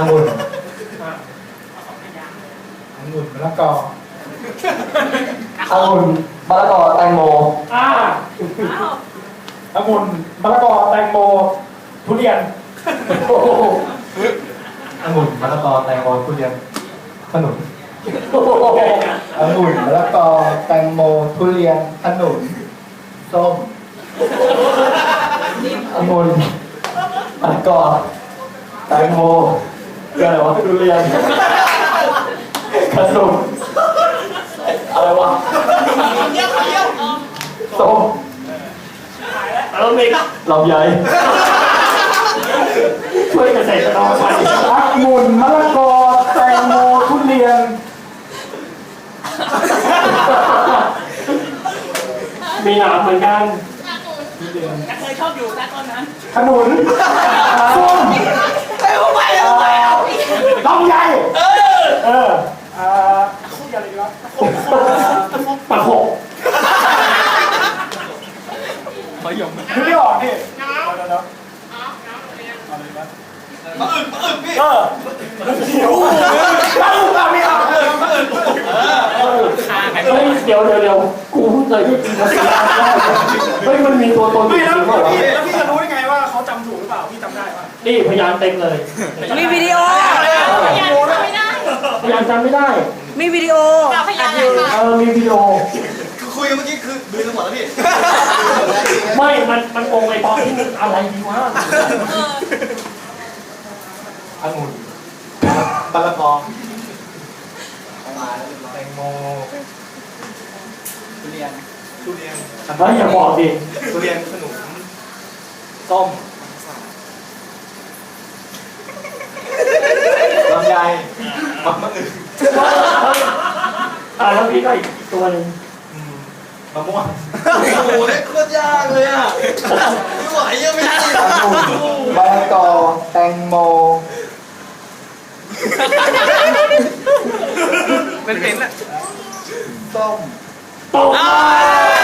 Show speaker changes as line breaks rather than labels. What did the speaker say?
องุ่นองุ่นมะละกอองุ่นมะละกอแตงโมองุ่นมะละกอแตงโมทุเรียนองุ่นมะละกอแตงโมทุเรียนขนุนองุ่นมะละกอแตงโมทุเรียนขนุนส้มองุ่นมะละกอแตงโมอะไรวะทุเรียนขนุนอะไรวะส้มลำไยช่วยเกษตรกรไปองุ่นมะละกอแตงโมทุเรียนมีหนามเหมือนกัน
เคยชอบอยู่แต่ตอนนั้น
ขนุนส้มลำไยคู่อะไรดีวะปะโขกนึกไม่ออกนี่มาอึ่งพี่หิวไม่เอาเดี๋ยวกูเพิ่งเคยได้กินมาสิเฮ้ยมันมีตัวตนจริงๆป่ะ
แล้วพี่จะรู้ได้ไงว่าเขาจำถูกหรือเปล่าพี่จำได้ป่ะ
นี่พยานเต็มเลย
มีวิดีโอ
พยานจำไม่ได้
มีวิดีโอ
มีวิดีโอ
คุยกันเมื่อกี้คือดูทั้งหมดแล้วพี่
ไม่มันงงไอ้ตอนที่อะไรดีวะองุ่นมะละกอแตงโมทุเรียนอย่าบอกดิ
ทุเรียนขนุน
ส้มลำไยมะอึ่งแล้วพี่ก็อีกตัวหนึ่งมะม่วง
โอ้โหนี่โคตรยากเลยอ่ะไม่ไหวยังไม่ได้
มะละกอแตงโม
เป็นอ่ะ
ส้ม